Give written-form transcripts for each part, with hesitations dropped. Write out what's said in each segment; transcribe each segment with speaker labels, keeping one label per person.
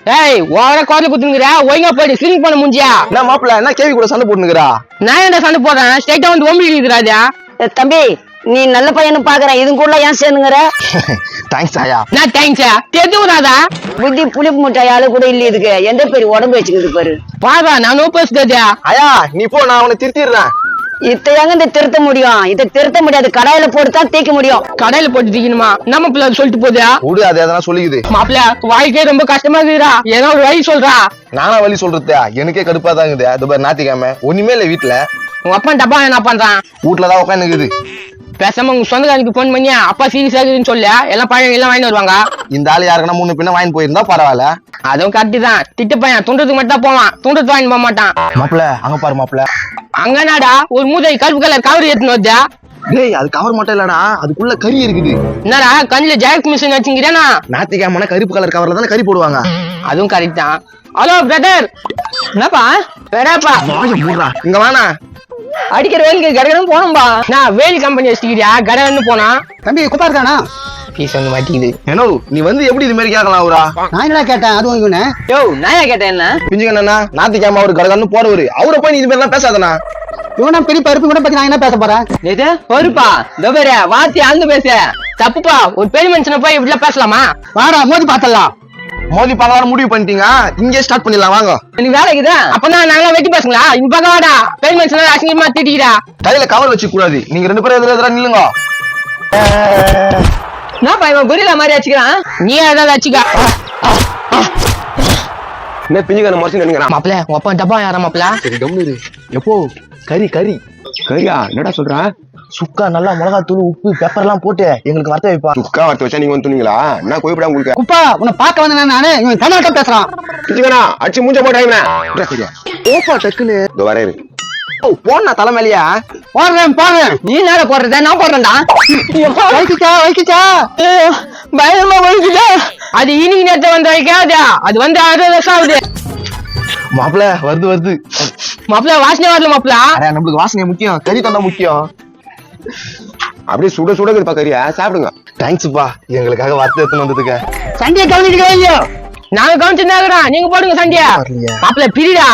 Speaker 1: ஏய் ஓவரா கோர்ல குத்துங்கறா ஒழுங்கா போய் ஸ்விங் பண்ண முடிஞ்சியா
Speaker 2: என்ன மாப்பிள்ள என்ன கேவி கூட சண்டை போட்டுங்கறா
Speaker 1: நான் என்ன சண்டை போடுறேன் ஸ்ட்ரைட்டா வந்து ஒம்பிக்குதுராஜா
Speaker 3: தம்பி நீ நல்ல பையனு பாக்குறேன் இது கூட ஏன் சேர்ந்துங்கிற
Speaker 2: தேங்க்ஸ் ஆயா
Speaker 1: நான் தேங்க்ஸா தெரிஞ்சுடாதா
Speaker 3: புத்தி புளிப்பு முட்டாய் ஆளு கூட இல்ல இதுக்கு எந்த பேரு உடம்பு வச்சுக்குது பாரு
Speaker 1: பாதா நான் பேசுதா
Speaker 2: ஆயா நீ போ நான் அவனை திருத்திடுறேன்
Speaker 3: இத்தையாங்க இந்த திருத்த முடியும் இதை திருத்த முடியாது கடாயில போட்டுதான் தேய்க்க முடியும்
Speaker 1: கடையில போட்டு தீக்கணுமா நம்ம பிள்ளை சொல்லிட்டு போதா
Speaker 2: விடு அது எதனா சொல்லிக்குது
Speaker 1: மாப்பிள்ள வாழ்க்கையே ரொம்ப கஷ்டமா இருக்குதா ஏதோ ஒரு வழி சொல்றா
Speaker 2: நானா வழி சொல்றது எனக்கே கடுப்பா தான் இருக்குது அது பாரு ஞாத்திக்காம ஒண்ணுமே இல்ல வீட்டுல
Speaker 1: உங்க அப்பா டப்பா என்ன பண்றான்
Speaker 2: வீட்டுலதான் உட்காந்துக்குது
Speaker 1: பேசாம உங்க சொந்தக்காரனுக்கு போன் பண்ணி அப்பா சீரியஸ் ஆகுதுன்னு சொல்ல எல்லாம் பழம் எல்லாம் வாங்கி வருவாங்க
Speaker 2: இந்த ஆளு யாருக்குன்னா முன்ன பின்ன வாங்கி போயிருந்தா பரவாயில்ல
Speaker 1: அதுவும் கரெக்ட் தான் திட்டு பையன் துண்டத்துக்கு மட்டும் தான் போவான் துண்டத்து வாங்கி போக மாட்டான்
Speaker 2: மாப்பிள்ள அங்க பாரு மாப்பிள்ள
Speaker 1: அங்கனாடா ஒரு மூதை கருப்பு கலர் கவர் ஏத்துன்னு வச்சா
Speaker 2: டேய் அது கவர் மட்டும் இல்லடா அதுக்குள்ள கறி இருக்குது
Speaker 1: என்னடா கண்ணுல ஜாக்ஸ் மிஷின் வச்சுங்கிறேனா
Speaker 2: ஞாத்திக்காம கருப்பு கலர் கவர்ல தானே கறி போடுவாங்க
Speaker 1: அதுவும் கரெக்ட் தான் ஹலோ பிரதர் என்னப்பா வேறாப்பா
Speaker 2: இங்க வாணா
Speaker 1: அடிக்கிற வேலைக்கு கடகடன் போனோம்பா நான் வேலி கம்பெனி வச்சுக்கிறியா கடகன்னு போனா
Speaker 4: தம்பி குப்பா இருக்கானா
Speaker 1: பீஸ் வந்து மாட்டிக்குது
Speaker 2: ஏனோ நீ வந்து எப்படி இது மாதிரி கேட்கலாம் அவரா
Speaker 4: நான் என்ன கேட்டேன் அதுவும் இவனு
Speaker 1: யோ நான் கேட்டேன் என்ன
Speaker 2: பிஞ்சுக்கண்ணா ஞாத்திக்காம அவரு கடகன்னு போறவரு அவரை போய் நீ இது மாதிரி எல்லாம் பேசாதண்ணா
Speaker 4: இவனா பெரிய பருப்பு கூட பத்தி நான் என்ன பேச போறேன்
Speaker 1: நேத்து பொறுப்பா தோபரே வாத்தி ஆழ்ந்து பேச தப்புப்பா ஒரு பெரிய மனுஷனை போய் இப்படிலாம் பேசலாமா
Speaker 4: வாடா மோதி பாத்தலாம்
Speaker 2: மோதி பார்க்கலாம் முடிவு பண்ணிட்டீங்க இங்கே ஸ்டார்ட் பண்ணிடலாம் வாங்க
Speaker 1: எனக்கு வேலை இருக்குதா அப்பதான் நாங்களாம் வெட்டி பேசுங்களா இந்த பக்கம் வாடா பெரிய மனுஷனா அசிங்கமா திட்டிக்கிறா
Speaker 2: கையில கவர் வச்சு கூடாது நீங்க ரெண்டு பேரும் எதிர நில்லுங்க
Speaker 1: என்னப்பா இவன் புரியல மாதிரி வச்சுக்கிறான் நீ ஏதாவது வச்சுக்கா
Speaker 2: என்ன பிஞ்சுக்கண்ண மறைச்சு நினைக்கிறான்
Speaker 1: மாப்பிள்ள உங்க அப்பா டப்பா யாரா மாப்பிள்ள
Speaker 2: சரி கம்னு எப்போ கறி கறி
Speaker 5: கரியா என்னடா சொல்ற
Speaker 2: சுக்கா நல்லா மிளகாத்தூள் உப்பு பெப்பர் எல்லாம் போட்டு எங்களுக்கு வறுத்த வைப்பா
Speaker 5: சுக்கா வரத்து வச்சா நீங்க வந்து துணிங்களா என்ன கோயப்படா உங்களுக்கு
Speaker 4: குப்பா உன்னை பார்க்க வந்தேன் நானு இவன் தமிழ்நாட்டம் பேசுறான்
Speaker 5: பிடிச்சுக்கண்ணா அடிச்சு மூஞ்ச போட்டாங்க
Speaker 2: ஓப்பா டக்குன்னு
Speaker 5: இதோ வரேன்
Speaker 2: போனா தலைமையிலையா
Speaker 4: போடுறேன்
Speaker 1: நீ நேர போடுறத நான் போடுறேன்டா
Speaker 4: வைக்கிச்சா
Speaker 1: பயமா வலிக்குதா அது இன்னைக்கு நேரத்தை வந்து வைக்காதா அது வந்து 60 வருஷம் ஆகுது
Speaker 2: மாப்பிள்ள வருது
Speaker 1: மாப்பிள்ள வாசனை வரல மாப்பிள்ள
Speaker 2: அரே நம்மளுக்கு வாசனை முக்கியம் கறி தந்தா முக்கியம்
Speaker 5: அப்படியே சுட சுட இருப்பா கரியா சாப்பிடுங்க
Speaker 2: தேங்க்ஸ்ப்பா எங்களுக்காக வறுத்து எடுத்துன்னு வந்ததுக்கு
Speaker 4: சண்டையை கவனிக்கவே இல்லையோ
Speaker 1: நாங்க கவனிச்சுருந்தாங்க நீங்க போடுங்க சண்டியா மாப்பிள்ள பிரிடா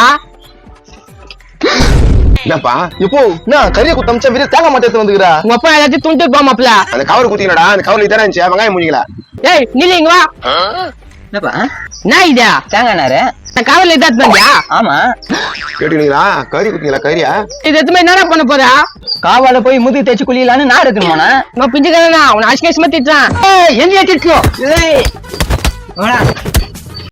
Speaker 5: என்னப்பா
Speaker 2: இப்போ என்ன கறியை குத்தமிச்சா வீர தேங்க மாட்டே எடுத்து வந்துக்கிறா
Speaker 1: உங்க அப்பா எல்லாத்தையும் துண்டு போ மாப்பிள்ள
Speaker 5: அந்த கவர் குத்திங்கடா அந்த கவர்ல தானே இருந்துச்சு வெங்காயம் முடிங்களா
Speaker 1: ஏய் நில்லுங்க வா
Speaker 3: என்னப்பா
Speaker 1: நான் இதா
Speaker 3: தேங்காய் நாரு
Speaker 1: நான் காவல இதாத்து பண்ணியா
Speaker 3: ஆமா
Speaker 5: கேட்டீங்களா கறி குத்திங்களா கரியா
Speaker 1: இது எத்தனை என்னடா பண்ண போறா
Speaker 3: காவால போய் முதுகு தேய்ச்சி குளியலான்னு நான் எடுக்கணுமாண்ணா
Speaker 1: நான் பிஞ்சுக்கிறேன்னா உன் அசிங்கமா திட்டுறான்
Speaker 4: எங்க திட்டோ
Speaker 3: வாடா